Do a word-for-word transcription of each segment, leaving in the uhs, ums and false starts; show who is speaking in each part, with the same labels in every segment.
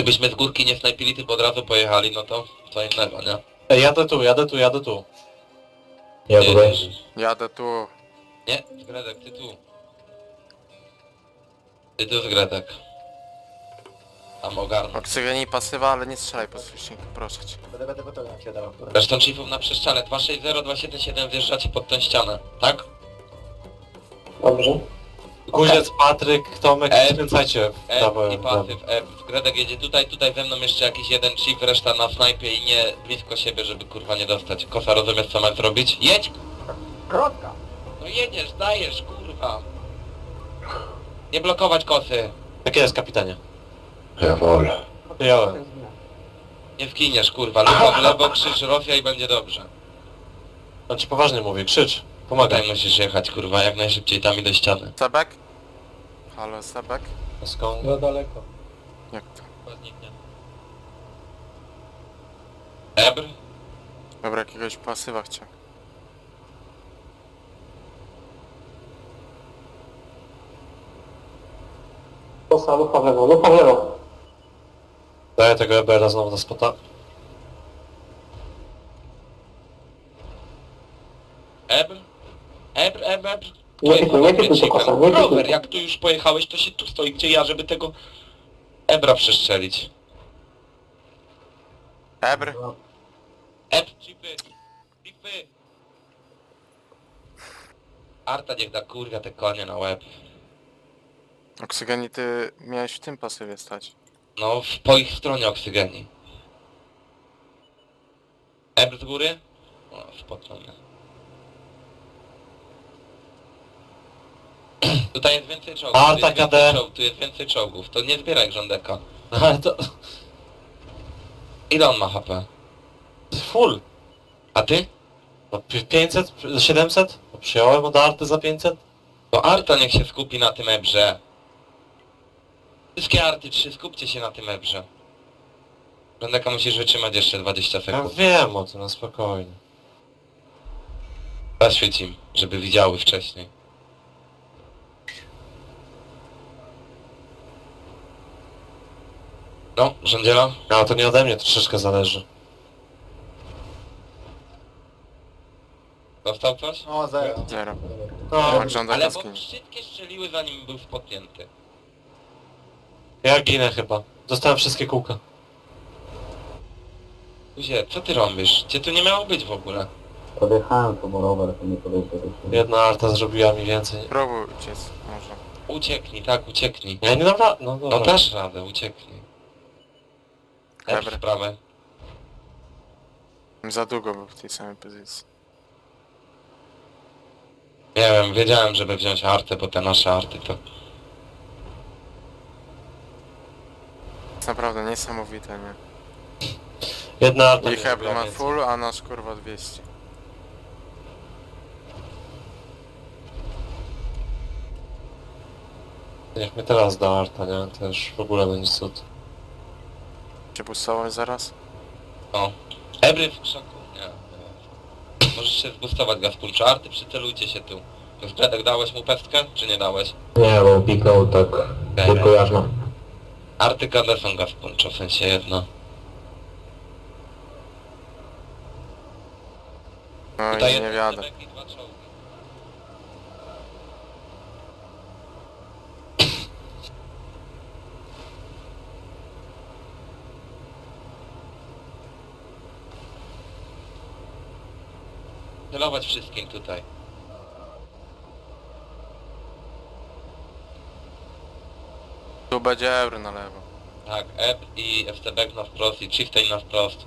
Speaker 1: Gdybyśmy z górki nie snajpili, tylko od razu pojechali, no to co innego, nie?
Speaker 2: Ej, jadę tu, jadę tu, jadę tu.
Speaker 3: Ja tutaj.
Speaker 1: Jedziesz.
Speaker 4: Jadę tu.
Speaker 1: Nie, Zgredek, ty tu. Ty tu, Zgredek. Tam ogarnę.
Speaker 4: Oksygeni pasywa, ale nie strzelaj po słyszniku, proszę cię.
Speaker 3: Będę, będę, będę, jak się dałem.
Speaker 1: Zresztą chiefów na przeszczale dwa sześć zero dwa siedem siedem wjeżdżacie pod tę ścianę, tak?
Speaker 3: Dobrze.
Speaker 2: Guziec, Patryk, Tomek,
Speaker 1: Ej.
Speaker 2: skręcajcie w
Speaker 1: F
Speaker 2: prawo.
Speaker 1: i pasyw, F. Zgredek jedzie tutaj, tutaj ze mną jeszcze jakiś jeden chief, reszta na snajpie i nie blisko siebie, żeby kurwa nie dostać. Kosa, rozumiesz co masz zrobić? Jedź!
Speaker 3: Krotka.
Speaker 1: No jedziesz, dajesz, kurwa! Nie blokować kosy!
Speaker 2: Jak jest, kapitanie?
Speaker 3: Ja wolę.
Speaker 2: Przyjąłem.
Speaker 1: Nie zginiesz, kurwa, lufa w lewo, krzyż Rosja i będzie dobrze.
Speaker 2: On ci poważnie mówię, krzycz. Pomagaj.
Speaker 1: Tutaj musisz jechać, kurwa, jak najszybciej tam i do ściany.
Speaker 4: Sebek? Halo, Sebek?
Speaker 2: Skąd?
Speaker 3: No daleko.
Speaker 4: Jak to?
Speaker 1: Ebr?
Speaker 4: Dobra, jakiegoś pasywa chciał.
Speaker 3: Kosa, lufa w lewo, lufa w lewo.
Speaker 2: Daję tego E B R-a znowu na spota.
Speaker 1: Ebr? Ebr, Ebr, Ebr?
Speaker 3: Nie
Speaker 1: Pojechał
Speaker 3: pikuj, nie
Speaker 1: na
Speaker 3: pikuj tu,
Speaker 1: Chiefem.
Speaker 3: Kosa, nie pikuj.
Speaker 1: Rower, jak tu już pojechałeś, to się tu stoi, gdzie ja, żeby tego Ebra przestrzelić.
Speaker 4: Ebr?
Speaker 1: Ebr, chipy! Chipy! Arta niech da kurwa te konie na łeb.
Speaker 4: Oksygeni, ty miałeś w tym pasywie stać.
Speaker 1: No, w, po ich stronie oksygeni. Ebr z góry? O, spokojnie. Tutaj jest więcej czołgów, tu
Speaker 2: Arta
Speaker 1: jest
Speaker 2: K D.
Speaker 1: więcej czołgów, tu jest więcej czołgów. To nie zbieraj rządeka.
Speaker 2: Ale to...
Speaker 1: Ile on ma H P?
Speaker 2: Full.
Speaker 1: A ty?
Speaker 2: No, pi- pięćset? siedemset? No, przyjąłem od Arty za pięćset?
Speaker 1: To Arta niech się skupi na tym Ebrze. Wszystkie Arty trzy, skupcie się na tym Ebrze. Rządeka musisz wytrzymać jeszcze dwadzieścia
Speaker 2: Ja
Speaker 1: sekund.
Speaker 2: wiem o tym, no spokojnie.
Speaker 1: Zaświeć im, żeby widziały wcześniej. No, rządziela?
Speaker 2: No to nie ode mnie troszeczkę zależy.
Speaker 1: Dostał coś?
Speaker 3: O, zero.
Speaker 4: Zero.
Speaker 2: No,
Speaker 4: Jak żąda
Speaker 1: Ale bo
Speaker 4: jaskini.
Speaker 1: wszystkie strzeliły zanim był spotnięty.
Speaker 2: ja ginę chyba. Dostałem wszystkie kółka.
Speaker 1: Guzie, co ty robisz? Cię tu nie miało być w ogóle.
Speaker 3: Podjechałem tu, bo rower to nie podejdzie.
Speaker 2: Jedna Arta zrobiła mi więcej.
Speaker 4: Próbuj uciec, może.
Speaker 1: Ucieknij, tak, ucieknij.
Speaker 2: Ja nie dam rady, no
Speaker 1: No
Speaker 2: dobra.
Speaker 1: dasz radę, ucieknij. Ebr
Speaker 4: Ebr.
Speaker 1: sprawę.
Speaker 4: Za długo był w tej samej pozycji.
Speaker 1: Nie wiem, wiedziałem, żeby wziąć artę, bo te nasze arty to...
Speaker 4: Jest naprawdę niesamowite, nie?
Speaker 2: Jedna Arta mi
Speaker 4: Ich Ebr
Speaker 2: zrobiła
Speaker 4: ma
Speaker 2: więcej.
Speaker 4: full, a nasz kurwa dwieście.
Speaker 2: Niech mnie teraz da Arta, nie? To już w ogóle będzie cud.
Speaker 4: Czy bustować zaraz?
Speaker 1: No. Ebry w krzaku, nie. nie. Możesz się zbustować Gaspunczu. Arty, przycelujcie się tu. Zgredek, dałeś mu pestkę, czy nie dałeś?
Speaker 3: Nie, bo piknął tak tylko jarzmo.
Speaker 1: Arty K D są Gaspunczu, w sensie jedno.
Speaker 4: No
Speaker 1: Tutaj
Speaker 4: i nie
Speaker 1: jeden
Speaker 4: wiadę.
Speaker 1: Zebek i dwa czołgi. Celować wszystkim tutaj.
Speaker 4: Tu będzie Ebr na lewo.
Speaker 1: Tak, Eb i F C B na wprost i Chieftain na wprost.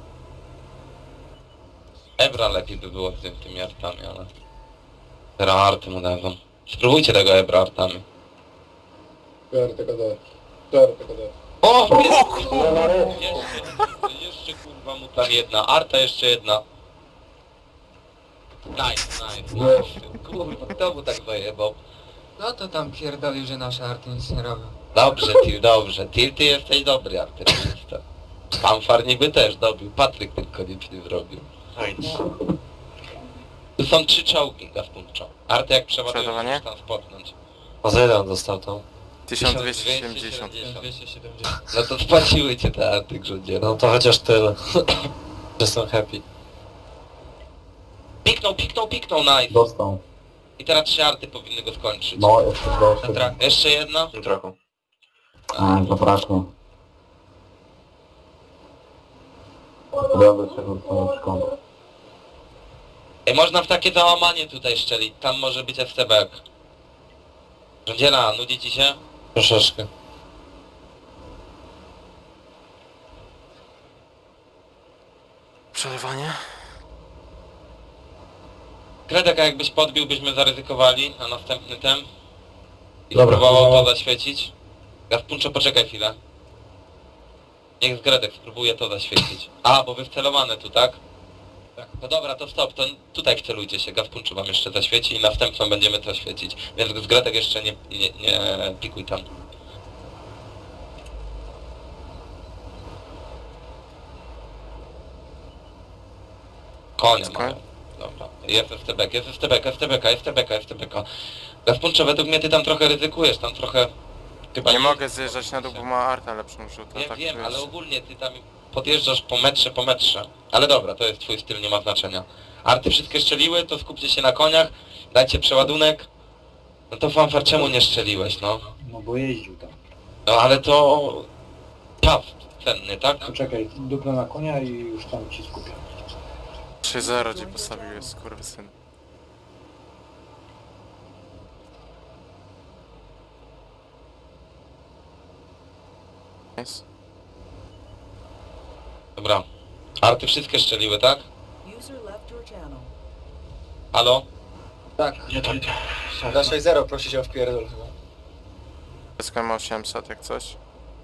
Speaker 1: Ebra lepiej by było z tym, tymi artami, ale... Teraz arty mu dadzą. Spróbujcie tego Ebra artami.
Speaker 5: R T K D. R T K D.
Speaker 1: O! Jeszcze, jeszcze, jeszcze kurwa mu tam jedna. Arta jeszcze jedna. Nice, nice, nice. Kurwa, kto mu tak zajebał?
Speaker 6: No to tam pierdolił, że nasze arty nic nie robią.
Speaker 1: Dobrze, Til, dobrze. Til, ty jesteś dobry artylerysta. Fanfar niby też dobił. Patryk tylko nic nie zrobił. Tu są trzy czołgi, Gaspunczo. Arty jak przeładujesz,
Speaker 4: Przeładowanie?
Speaker 1: musisz tam spotnąć.
Speaker 2: A za ile on dostał tą?
Speaker 4: tysiąc dwieście siedemdziesiąt.
Speaker 6: dwieście siedemdziesiąt.
Speaker 1: No to spłaciły cię te arty, grządzie.
Speaker 2: No to chociaż tyle. Że są happy.
Speaker 1: Piknął, piknął, piknął, nice.
Speaker 3: Dostał.
Speaker 1: I teraz trzy arty powinny go skończyć.
Speaker 3: No, jeszcze
Speaker 6: Na
Speaker 3: doszedł.
Speaker 6: trak.
Speaker 1: Jeszcze jedna?
Speaker 2: Trochę.
Speaker 3: A, zabraknie. Dobra, czego to szkoda.
Speaker 1: Ej, można w takie załamanie tutaj szczelić. Tam może być S T B. Rządziela, nudzi ci się?
Speaker 2: Troszeczkę.
Speaker 4: Przelewanie?
Speaker 1: Kredek, a jakbyś podbił, byśmy zaryzykowali na następny tem. I
Speaker 3: Dobra.
Speaker 1: spróbował to zaświecić. Gaspunczo, poczekaj chwilę. Niech z Gredek spróbuje to zaświecić. A, bo wy wcelowane tu, tak? Tak. No dobra, to stop, to tutaj wcelujcie się. Gaspunczu wam jeszcze zaświeci i następną będziemy to świecić. Więc z Gredek jeszcze nie, nie, nie pikuj tam. Konia
Speaker 4: Koń?
Speaker 1: mają. Dobra. Jest S T B, jest S T B, jest S T B, jest S T B, jest S T B. Gaspunczo, według mnie ty tam trochę ryzykujesz, tam trochę... Chyba
Speaker 4: Nie mogę zjeżdżać na dół, bo ma artę lepszą rzutę.
Speaker 1: Nie
Speaker 4: tak
Speaker 1: wiem,
Speaker 4: wiesz.
Speaker 1: ale ogólnie ty tam podjeżdżasz po metrze, po metrze. Ale dobra, to jest twój styl, nie ma znaczenia. Arty wszystkie szczeliły, to skupcie się na koniach, dajcie przeładunek. No to fanfar, czemu nie szczeliłeś, no?
Speaker 7: No bo jeździł tam.
Speaker 1: No ale to... czas cenny, tak?
Speaker 7: Poczekaj, dupla na konia i już tam ci skupię.
Speaker 4: trzy zero ci postawiłeś, skurwysyn. Nice.
Speaker 1: Dobra. Arty wszystkie szczeliły, tak?
Speaker 8: User left your channel.
Speaker 1: Halo?
Speaker 6: Tak.
Speaker 3: Nie tak.
Speaker 6: Za sześć zero prosi się o wpierdol chyba.
Speaker 4: S K ma osiemset jak coś.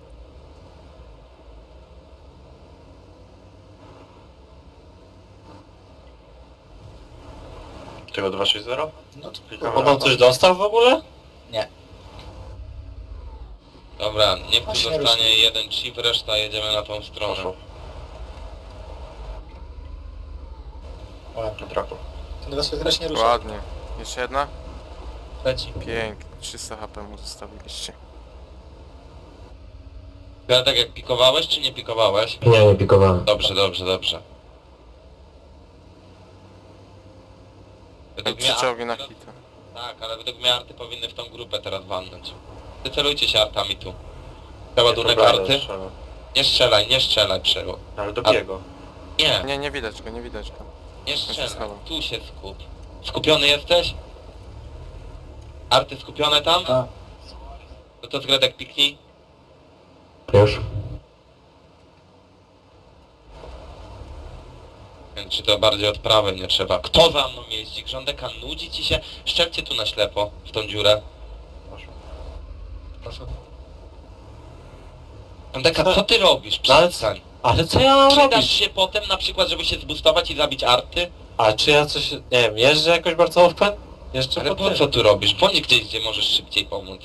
Speaker 2: Tego dwa sześć zero?
Speaker 6: No to
Speaker 2: On tam coś dostał w ogóle?
Speaker 1: Dobra, niech tu
Speaker 6: Właśnie
Speaker 1: zostanie
Speaker 6: ruszy.
Speaker 1: jeden chip, reszta jedziemy na tą stronę.
Speaker 2: Na traku.
Speaker 6: ten dwa sześć zero się nie rusza.
Speaker 4: Ładnie. Jeszcze jedna?
Speaker 6: Leci.
Speaker 4: Pięknie. trzysta H P mu zostawiliście.
Speaker 1: Ja tak jak pikowałeś, czy nie pikowałeś?
Speaker 3: Nie, nie pikowałem.
Speaker 1: Dobrze, dobrze, dobrze. Według mnie
Speaker 4: Trzy czołgi na
Speaker 1: arty,
Speaker 4: hita.
Speaker 1: tak, ale według mnie arty powinny w tą grupę teraz walnąć. Wycelujcie się artami tu. Przeładunek arty. Nie strzelaj, nie strzelaj przeło.
Speaker 2: Ale
Speaker 1: A-
Speaker 2: biego.
Speaker 1: Nie,
Speaker 4: Nie, nie widać go, nie widać go.
Speaker 1: nie
Speaker 4: się
Speaker 1: strzelaj.
Speaker 4: schował.
Speaker 1: Tu się skup. Skupiony jesteś? Arty skupione tam?
Speaker 7: Tak.
Speaker 1: No to z Gredek piknij.
Speaker 3: Już.
Speaker 1: Wiem, czy to bardziej od prawej nie trzeba. Kto za mną jeździ? Grządeka nudzi ci się? Szczelcie tu na ślepo, w tą dziurę.
Speaker 6: Proszę.
Speaker 1: Grządeka, co ty robisz?
Speaker 2: No ale-
Speaker 1: Przestań.
Speaker 2: Ale co ja mam
Speaker 1: Przydasz
Speaker 2: robić?
Speaker 1: się potem na przykład, żeby się zbustować i zabić arty?
Speaker 2: A czy ja coś, nie wiem, jeżdżę jakoś bardzo open? Jeszcze
Speaker 1: Ale
Speaker 2: po
Speaker 1: po
Speaker 2: tym.
Speaker 1: co tu robisz? Bądź gdzieś, gdzie możesz szybciej pomóc.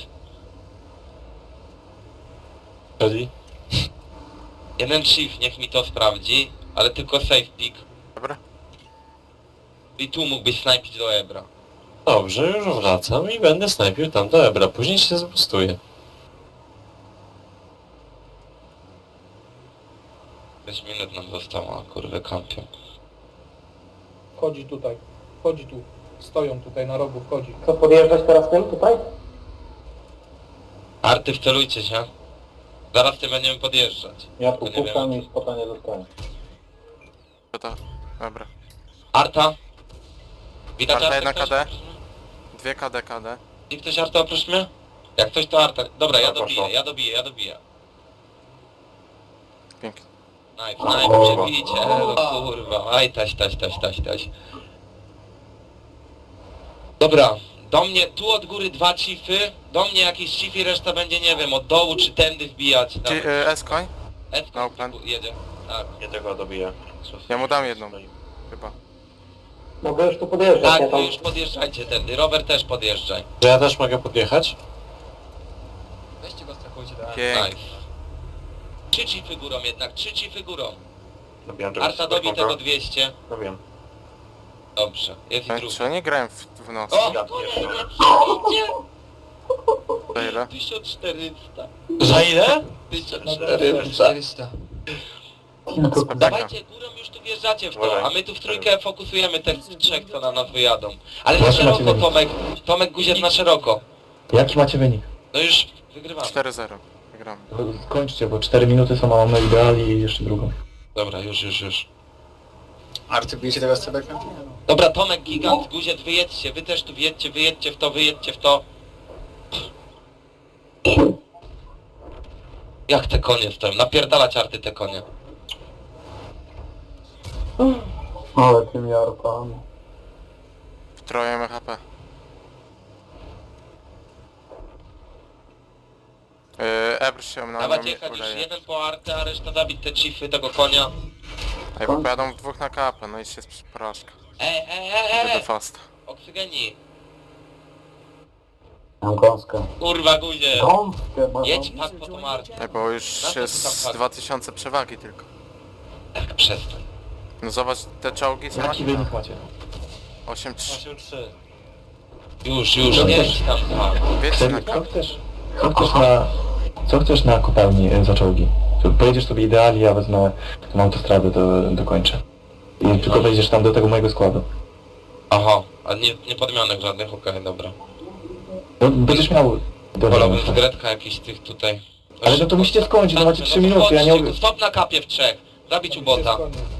Speaker 2: Czyli?
Speaker 1: Jeden chief, niech mi to sprawdzi, ale tylko safe pick.
Speaker 4: Dobra?
Speaker 1: I tu mógłbyś snajpić do Ebra.
Speaker 2: Dobrze, już wracam i będę snajpił tam do Ebra, później się zbustuję.
Speaker 1: pięć minut nam zostało, a kurwy kampią.
Speaker 5: Wchodzi tutaj. Wchodzi tu. Stoją tutaj na rogu, wchodzi.
Speaker 3: Co, podjeżdżać teraz tym tutaj?
Speaker 1: Arty, wcelujcie się. Zaraz ty będziemy podjeżdżać.
Speaker 3: Ja tu
Speaker 1: No nie
Speaker 3: pukam
Speaker 1: wiem.
Speaker 3: i spota nie dostaję.
Speaker 4: To to. Dobra.
Speaker 1: Arta? Widać
Speaker 4: Arta
Speaker 1: Artę
Speaker 4: jedna
Speaker 1: ktoś?
Speaker 4: K D. Dwie K D K D.
Speaker 1: I ktoś Arta oprócz mnie? Jak ktoś to Arta. Dobra, ja
Speaker 2: Dobra,
Speaker 1: dobiję,
Speaker 2: poszło.
Speaker 1: ja dobiję, ja dobiję.
Speaker 4: Pięknie.
Speaker 1: Nice, nice, przebijcie, elo kurwa. Aj, taś, taś, taś, taś, taś. Dobra, do mnie, tu od góry dwa chiefy, do mnie jakiś chief i reszta będzie, nie wiem, od dołu czy tędy wbijać.
Speaker 4: Ci, y, S-koń?
Speaker 1: Edko
Speaker 4: no plan.
Speaker 1: jedzie, tak.
Speaker 2: Nie tego dobiję.
Speaker 4: Ja mu dam jedną. Chyba.
Speaker 3: Mogę już tu podjeżdżać,
Speaker 1: Tak,
Speaker 3: ja
Speaker 1: wy
Speaker 3: tam...
Speaker 1: już podjeżdżajcie tędy, Robert też podjeżdżaj.
Speaker 2: Że ja też mogę podjechać?
Speaker 6: Weźcie go, strachujcie teraz.
Speaker 4: Pięknie.
Speaker 1: Nice. Trzy chiefy górą jednak, trzy chiefy górą.
Speaker 2: Dobiłem
Speaker 1: Arta dobi tego dwieście.
Speaker 2: Dobiłem.
Speaker 1: Dobrze, jest i
Speaker 4: Ej,
Speaker 1: drugi.
Speaker 4: Czy oni grają w, w nocy?
Speaker 1: O!
Speaker 2: Ja
Speaker 1: Kurwa,
Speaker 2: pierdolę.
Speaker 1: przyjdzie!
Speaker 4: Za ile?
Speaker 1: tysiąc czterysta.
Speaker 2: Za ile?
Speaker 1: tysiąc czterysta.
Speaker 6: czterysta.
Speaker 4: Spokojnie.
Speaker 1: Dawajcie górą, już tu wjeżdżacie w to, a my tu w trójkę fokusujemy tych trzech, co na nas wyjadą. Ale na
Speaker 3: Jaki macie
Speaker 1: szeroko,
Speaker 3: wynik?
Speaker 1: Tomek. Tomek Guziec na szeroko.
Speaker 3: Jaki macie wynik?
Speaker 1: No już wygrywamy.
Speaker 4: cztery zero. Wygramy.
Speaker 3: Skończcie, bo cztery minuty są, a mamy ideali i jeszcze drugą.
Speaker 1: Dobra, już, już, już.
Speaker 6: Arty, bijecie tego z cebekiem?
Speaker 1: Dobra, Tomek, Gigant, Guziec, wyjedźcie, wy też tu wyjedźcie, wyjedźcie w to, wyjedźcie w to. Jak te konie stoją? Napierdalać Arty te konie.
Speaker 3: Ale tymi arpami.
Speaker 4: W troje M H P. Yy, Ebr się na
Speaker 1: Dawać
Speaker 4: mnie
Speaker 1: jechać już
Speaker 4: uleje.
Speaker 1: jeden po Artę, a reszta zabić te chiefy tego konia.
Speaker 4: Ej, bo pojadą w dwóch na kapę, no i się jest porażka.
Speaker 1: Ej, ej, ej,
Speaker 4: Idę
Speaker 1: ej!
Speaker 4: fast.
Speaker 1: Oksygeni.
Speaker 3: Mam gąskę.
Speaker 1: Kurwa, Guzie.
Speaker 3: Gąskę, bo...
Speaker 1: Jedź pak po tą Artę.
Speaker 4: Ej, bo już
Speaker 1: Na co ty tam
Speaker 4: jest
Speaker 1: patrz?
Speaker 4: dwa tysiące przewagi tylko.
Speaker 1: Tak, przestań.
Speaker 4: No zobacz te czołgi, co
Speaker 3: Jaki
Speaker 4: macie?
Speaker 3: wynik macie?
Speaker 4: osiem trzy.
Speaker 2: osiem trzy.
Speaker 1: Już, już,
Speaker 3: No
Speaker 1: nie
Speaker 3: też-
Speaker 1: idź tam, tam.
Speaker 4: Wiecie na
Speaker 3: Co
Speaker 4: kapę.
Speaker 3: chcesz? Co chcesz na... Co chcesz na kopalni e, za czołgi? Tu pojedziesz sobie idealnie, ja wezmę tą autostradę, to dokończę. I tylko wejdziesz tam do tego mojego składu.
Speaker 1: Aha, a nie, nie podmianek żadnych, okej, dobra.
Speaker 3: No, będziesz miał...
Speaker 1: Wolałbym z Gretka jakiś tych tutaj.
Speaker 3: Ale no to musicie skończyć, no macie
Speaker 1: No
Speaker 3: trzy
Speaker 1: to
Speaker 3: minuty, ja nie...
Speaker 1: chodźcie, Stop na kapie w trzech. Zabić ubota.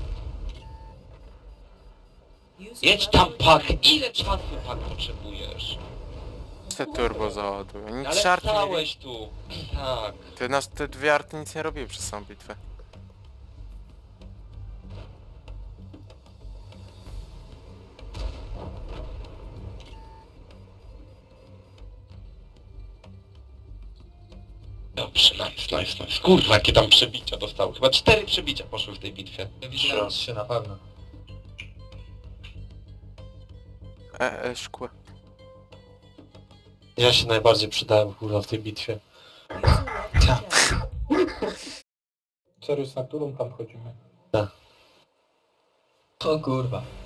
Speaker 8: User
Speaker 1: Jedź
Speaker 8: left
Speaker 1: tam
Speaker 8: your
Speaker 1: pak.
Speaker 8: channel.
Speaker 1: Ile czasu pak potrzebujesz?
Speaker 4: Te turbo załadują. Nic
Speaker 1: Ale
Speaker 4: żarty nie
Speaker 1: stałeś tu. Tak.
Speaker 4: Ty, nas, te dwie arty nic nie robiły przez samą bitwę.
Speaker 1: Dobrze, nice, nice, nice. Kurwa, jakie tam przebicia dostały. Chyba cztery przebicia poszły w tej bitwie.
Speaker 6: Ja widziałem trzy na pewno.
Speaker 4: E, e, szkło.
Speaker 2: Ja się najbardziej przydałem kurwa w tej bitwie.
Speaker 8: User left your channel.
Speaker 7: Serius, na którą tam chodzimy?
Speaker 6: O kurwa.